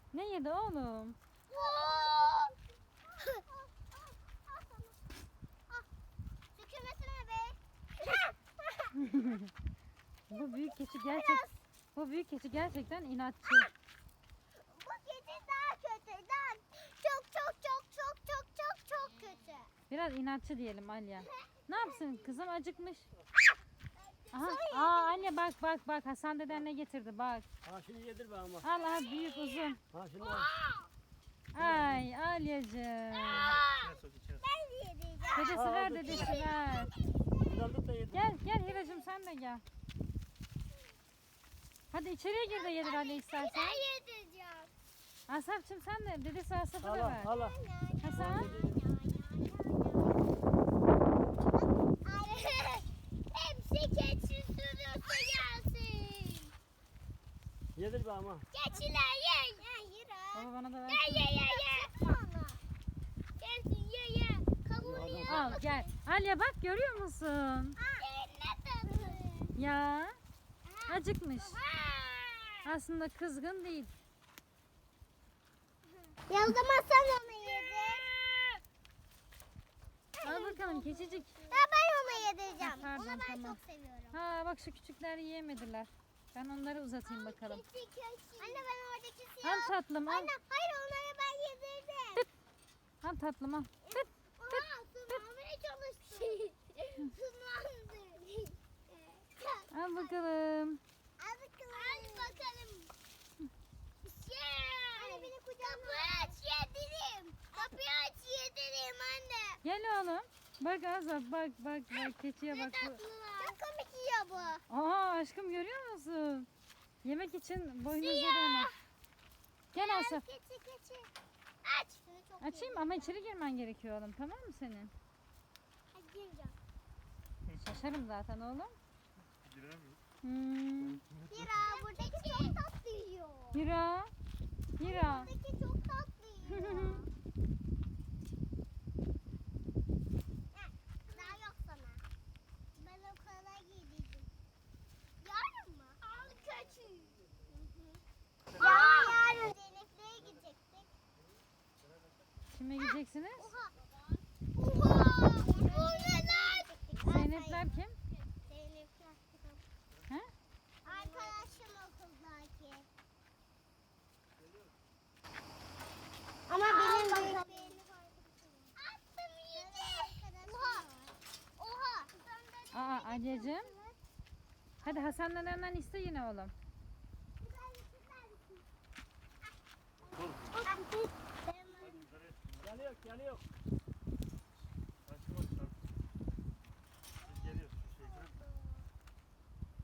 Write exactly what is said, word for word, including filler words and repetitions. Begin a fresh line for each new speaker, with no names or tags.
Ne yedi oğlum?
Tükürmesene be.
Bu büyük keçi gerçek. Bu büyük keçi gerçekten inatçı.
Bu kedi daha kötü. Daha çok çok çok çok çok çok çok kötü.
Biraz inatçı diyelim Alya. Ne yapsın kızım, acıkmış. Aha, aa Alya bak bak bak, Hasan deden ne getirdi bak.
Ha şimdi yedir be ama.
Al al, büyük uzun.
Ha şimdi al.
Ay Alyacığım.
Ben de yedeceğim.
Dedesi
Aa,
ver,
dur.
dedesi ver.
Buradan tut da yedir.
Gel gel Hiracığım, sen de gel. Hadi içeriye gir de yedir Alya istersen.
Ben yedeceğim.
Asaf'cığım sen de, dedesi Asaf'a da
Hala
ver.
hala.
Hasan.
Hepsi keçi sürüyorsa gelsin.
Yedir be ama.
Keçiler ye. Ya yürü.
Baba bana da ver.
Ye ye ye ye. Gelsin ye ye. Kabuğunu ye.
Al gel. Alya bak, görüyor musun?
Ne tadı?
Ya acıkmış. Aslında kızgın değil.
Ya o zaman sen onu yedin.
Al bakalım keçicik.
Ya ben onu yedireceğim.
Ha, pardon,
Onu ben
tamam.
çok seviyorum.
Ha bak, şu küçükler yiyemediler. Ben onları uzatayım bakalım.
Keçi keçi. Anne ben oradaki siyah.
Al tatlım al.
Anne hayır onları ben yedirdim.
Al tatlım al. Tıt.
Oha sınavmaya çalıştım. Sınavdı.
Al bakalım.
Al bakalım. Al bakalım. Yeah. Anne beni kucağına. Kapıyı aç yedireyim. Kapıyı aç yedireyim anne.
Gel oğlum. Bak Azap, bak bak bak, keçiye bak. Bu-
Çok komik yiyor bu.
Aa aşkım, görüyor musun? Yemek için boynuzları ona. Gel Asaf.
Keçi keçi. Aç. Çok
Açayım ama içeri girmen gerekiyor oğlum, tamam mı senin?
Hadi gireceğim.
Şaşarım zaten oğlum.
Giremiyor.
Hmm.
Hira buradaki çok tatlı yiyor.
Hira. Hira.
Buradaki çok tatlı yiyor. Heh, daha yok sana. Ben o kadar giydim. Yarın mı? Al keçi. Yarın yarın. Zeynep'le gidecektik.
Kime gideceksiniz?
Oha. Oha. Bu ne lan?
Zeynepler kim?
Zeynepler.
He?
Arkadaşım okuldaki. Ama benim büyük. Attım yedi. Oha. Oha.
Aa Alyacığım. Hadi Hasan dedenden iste yine oğlum.
Yanıyor yanıyor.